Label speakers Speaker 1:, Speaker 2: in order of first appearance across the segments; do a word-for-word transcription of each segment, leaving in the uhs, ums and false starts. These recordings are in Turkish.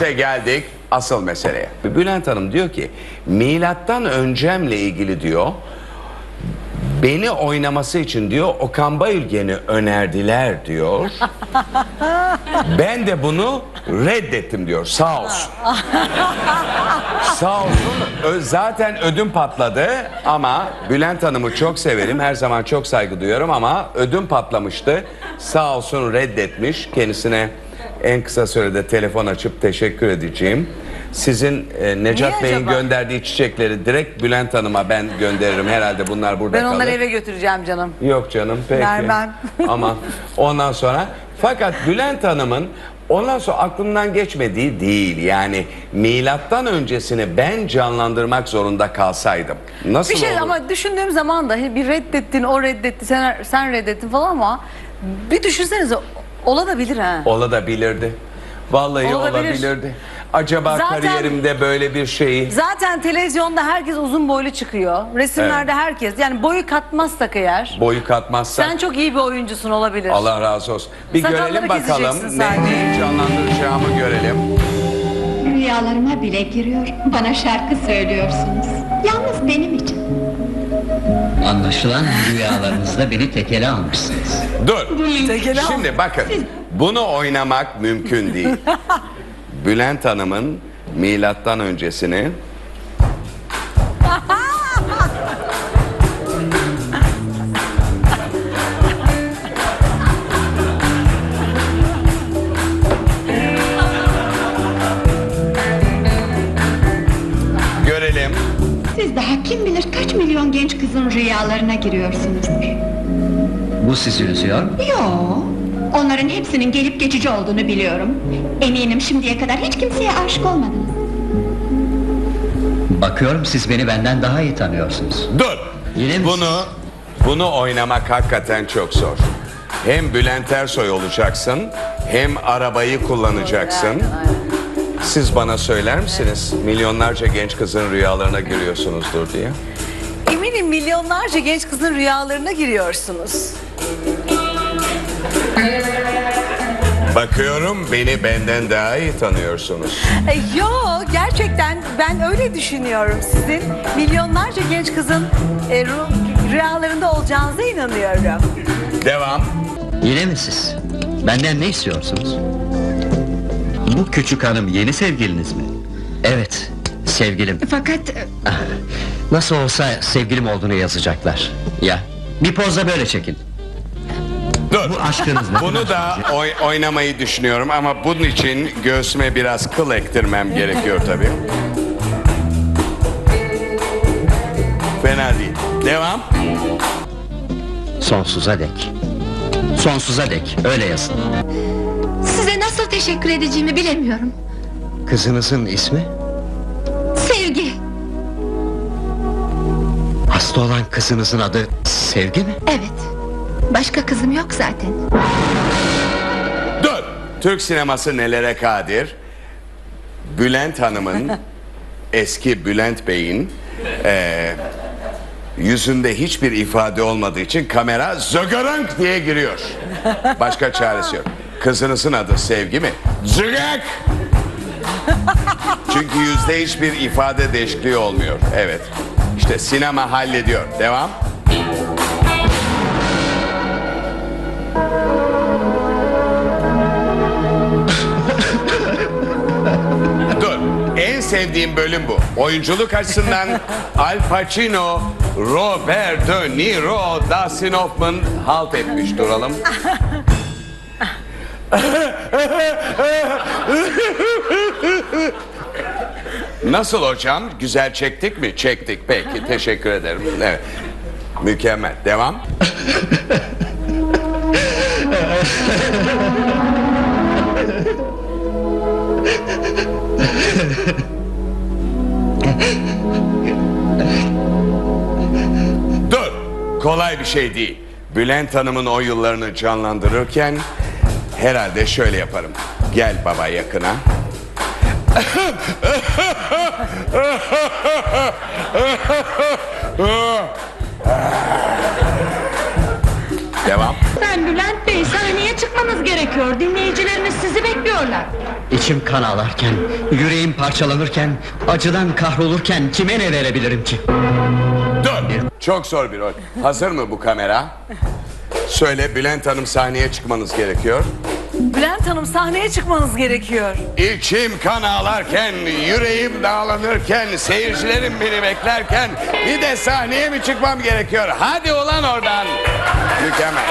Speaker 1: İşte geldik asıl meseleye. Bülent Hanım diyor ki milattan öncemle ilgili diyor beni oynaması için diyor Okan Bayülgen'i önerdiler diyor. Ben de bunu reddettim diyor. Sağ olsun. Sağ olsun. Ö- Zaten ödüm patladı ama Bülent Hanım'ı çok severim. Her zaman çok saygı duyuyorum ama ödüm patlamıştı. Sağ olsun reddetmiş. Kendisine en kısa sürede telefon açıp teşekkür edeceğim. Sizin e, Necat Bey'in gönderdiği çiçekleri direkt Bülent Hanım'a ben gönderirim. Herhalde bunlar burada
Speaker 2: Ben
Speaker 1: kalır.
Speaker 2: onları eve götüreceğim canım.
Speaker 1: Yok canım peki.
Speaker 2: Vermem.
Speaker 1: Ama ondan sonra fakat Bülent Hanım'ın ondan sonra aklımdan geçmediği değil. Yani milattan öncesini ben canlandırmak zorunda kalsaydım. Nasıl
Speaker 2: Bir şey
Speaker 1: olur?
Speaker 2: ama düşündüğüm zaman da bir reddettin, o reddetti, sen, sen reddettin falan ama bir düşünsenize olabilir ha.
Speaker 1: Olabilirdi. Vallahi
Speaker 2: Olabilir.
Speaker 1: olabilirdi. Acaba
Speaker 2: Zaten-
Speaker 1: kariyerimde böyle bir şeyi...
Speaker 2: Zaten televizyonda herkes uzun boylu çıkıyor. Resimlerde herkes. Yani boyu katmazsak eğer.
Speaker 1: Boyu katmazsak...
Speaker 2: Sen çok iyi bir oyuncusun olabilir.
Speaker 1: Allah razı olsun. Bir
Speaker 2: Sakalları
Speaker 1: görelim bakalım.
Speaker 2: keseceksin
Speaker 1: Ne,
Speaker 2: sadece.
Speaker 1: neyi canlandıracağımı görelim.
Speaker 3: Rüyalarıma bile giriyor. Bana şarkı söylüyorsunuz. Yalnız benim için.
Speaker 4: Anlaşılan rüyalarınızda beni tekele almışsınız.
Speaker 1: Dur.
Speaker 2: Tekele al.
Speaker 1: Şimdi bakın. Bunu oynamak mümkün değil. Bülent Hanım'ın milattan öncesini görelim.
Speaker 3: Siz daha kim bilir kaç milyon genç kızın rüyalarına giriyorsunuzdur.
Speaker 4: Bu sizi üzüyor.
Speaker 3: Yo, onların hepsinin gelip geçici olduğunu biliyorum. Eminim şimdiye kadar hiç kimseye aşık olmadınız.
Speaker 4: Bakıyorum siz beni benden daha iyi tanıyorsunuz.
Speaker 1: Dur.
Speaker 4: Yine mi
Speaker 1: Bunu bunu oynamak hakikaten çok zor. Hem Bülent Ersoy olacaksın, hem arabayı kullanacaksın.
Speaker 2: Aynen, aynen.
Speaker 1: Siz bana söyler misiniz? Milyonlarca genç kızın rüyalarına giriyorsunuzdur diye.
Speaker 2: Eminim milyonlarca genç kızın rüyalarına giriyorsunuz.
Speaker 1: Bakıyorum beni benden daha iyi tanıyorsunuz.
Speaker 2: E, yo gerçekten ben öyle düşünüyorum. Sizin milyonlarca genç kızın e, rü- rüyalarında olacağınıza inanıyorum.
Speaker 1: Devam.
Speaker 4: Yine mi siz? Benden ne istiyorsunuz? Bu küçük hanım yeni sevgiliniz mi? Evet, sevgilim.
Speaker 3: Fakat
Speaker 4: Ah, Nasıl olsa sevgilim olduğunu yazacaklar. Ya, bir pozda böyle çekin.
Speaker 1: Dur.
Speaker 4: Bu aşkınız ne?
Speaker 1: Bunu da oy- oynamayı düşünüyorum ama bunun için göğsüme biraz kıl ektirmem gerekiyor tabii. Fena değil. Devam.
Speaker 4: Sonsuza dek. Sonsuza dek, öyle yazın.
Speaker 3: size nasıl teşekkür edeceğimi bilemiyorum.
Speaker 4: Kızınızın ismi?
Speaker 3: Sevgi,
Speaker 4: Hasta olan kızınızın adı Sevgi mi?
Speaker 3: evet. Başka kızım yok zaten.
Speaker 1: Dur. Türk sineması nelere kadir? Bülent Hanım'ın, eski Bülent Bey'in eee, yüzünde hiçbir ifade olmadığı için kamera zögörönk diye giriyor. Başka çaresi yok. Kızınızın adı Sevgi mi? Zögök! Çünkü yüzde hiçbir ifade değişikliği olmuyor. Evet. İşte sinema hallediyor. Devam. Dur. En sevdiğim bölüm bu. Oyunculuk açısından Al Pacino, Robert De Niro, Dustin Hoffman halt etmiş. Duralım. Nasıl hocam? Güzel çektik mi? Çektik. Peki. Teşekkür ederim. Evet. Mükemmel. Devam. Dur. Kolay bir şey değil. Bülent Hanım'ın o yıllarını canlandırırken herhalde şöyle yaparım. Gel baba yakına. Devam.
Speaker 3: Ben Bülent Bey sahneye
Speaker 5: çıkmanız gerekiyor. Dinleyicileriniz sizi bekliyorlar.
Speaker 4: İçim kan ağlarken, yüreğim parçalanırken, acıdan kahrolurken kime ne verebilirim ki?
Speaker 1: Dur. Çok zor bir rol. Hazır mı bu kamera? Söyle, Bülent Hanım, sahneye çıkmanız gerekiyor.
Speaker 2: Bülent Hanım, sahneye çıkmanız gerekiyor.
Speaker 1: İçim kan ağlarken, yüreğim dağlanırken, seyircilerim beni beklerken bir de sahneye mi çıkmam gerekiyor? Hadi ulan oradan. Mükemmel.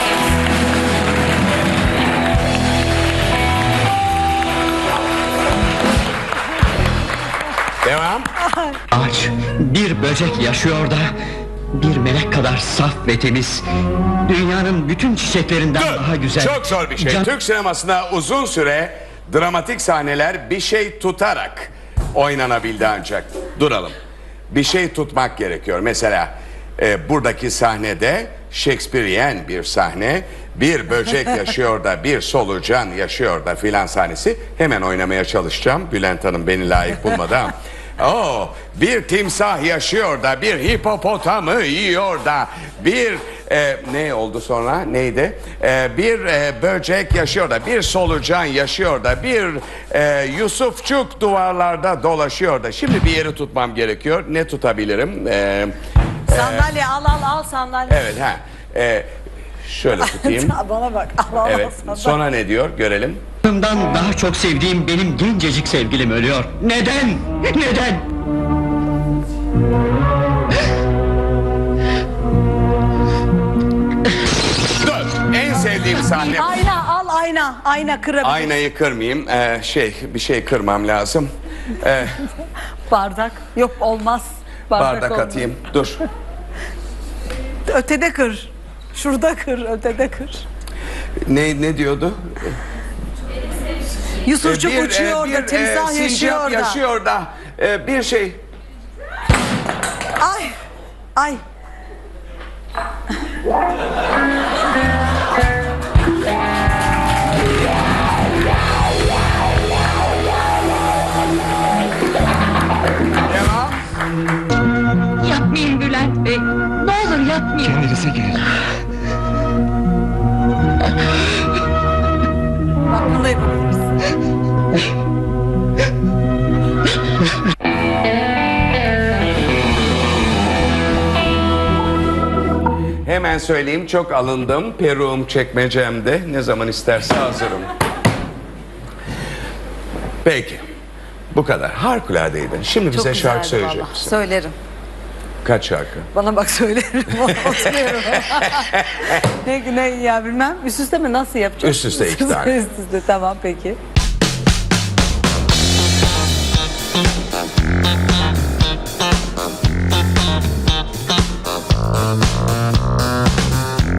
Speaker 1: Devam.
Speaker 4: Aç, bir böcek yaşıyor da, bir melek kadar saf ve temiz, dünyanın bütün çiçeklerinden
Speaker 1: Dur.
Speaker 4: daha güzel.
Speaker 1: Çok zor bir şey.
Speaker 4: Can-
Speaker 1: Türk sinemasında uzun süre dramatik sahneler bir şey tutarak oynanabildi ancak. Duralım. Bir şey tutmak gerekiyor. Mesela e, buradaki sahnede Shakespearean bir sahne, bir böcek yaşıyor da, bir solucan yaşıyor da filan sahnesi. Hemen oynamaya çalışacağım. Bülent Hanım beni layık bulmadı ama. Oo, bir timsah yaşıyor da, bir hipopotamı yiyor da, bir e, ne oldu sonra, neydi? E, bir e, böcek yaşıyor da, bir solucan yaşıyor da, bir e, Yusufçuk duvarlarda dolaşıyor da. Şimdi bir yeri tutmam gerekiyor. Ne tutabilirim? E,
Speaker 2: Sandalye al al al sandalye.
Speaker 1: evet, ha. E, şöyle tutayım.
Speaker 2: Bana bak. Al al
Speaker 1: Evet.
Speaker 2: al sandalye.
Speaker 1: Sonra ne diyor? Görelim.
Speaker 4: Canımdan daha çok sevdiğim benim gencecik sevgilim ölüyor. Neden? Neden?
Speaker 1: Dur. En sevdiğim sahne.
Speaker 2: Ayna al ayna. Ayna kırabilir.
Speaker 1: Aynayı kırmayayım. Ee, şey, bir şey kırmam lazım. Ee,
Speaker 2: Bardak. Yok olmaz.
Speaker 1: bardak
Speaker 2: olmaz.
Speaker 1: atayım. Dur.
Speaker 2: Ötede kır. Şurada kır. Ötede kır.
Speaker 1: Ne ne diyordu?
Speaker 2: Yusufçuk
Speaker 1: Ee,
Speaker 2: uçuyor
Speaker 1: e,
Speaker 2: da, timsah
Speaker 1: sincap
Speaker 2: yaşıyor da.
Speaker 1: yaşıyor da. Ee, bir şey.
Speaker 2: Ay. Ay.
Speaker 1: Devam.
Speaker 5: Yapmayın Bülent Bey. Ne olur yapmayın.
Speaker 4: Kendinize gelin.
Speaker 2: Bak bunu da yapabiliriz.
Speaker 1: Hemen söyleyeyim, çok alındım. Peruğum çekmecemde. Ne zaman isterse hazırım. Peki. Bu kadar. Harikuladeydi. Şimdi bize
Speaker 2: Çok
Speaker 1: şarkı
Speaker 2: güzeldi
Speaker 1: söyleyecek
Speaker 2: vallahi.
Speaker 1: misin?
Speaker 2: Söylerim.
Speaker 1: Kaç şarkı?
Speaker 2: Bana bak söylerim. Oturuyorum. ne, ne ya bilmem. Üst üste mi nasıl yapacağız?
Speaker 1: Üst üste iki tane.
Speaker 2: Üst üste tamam peki.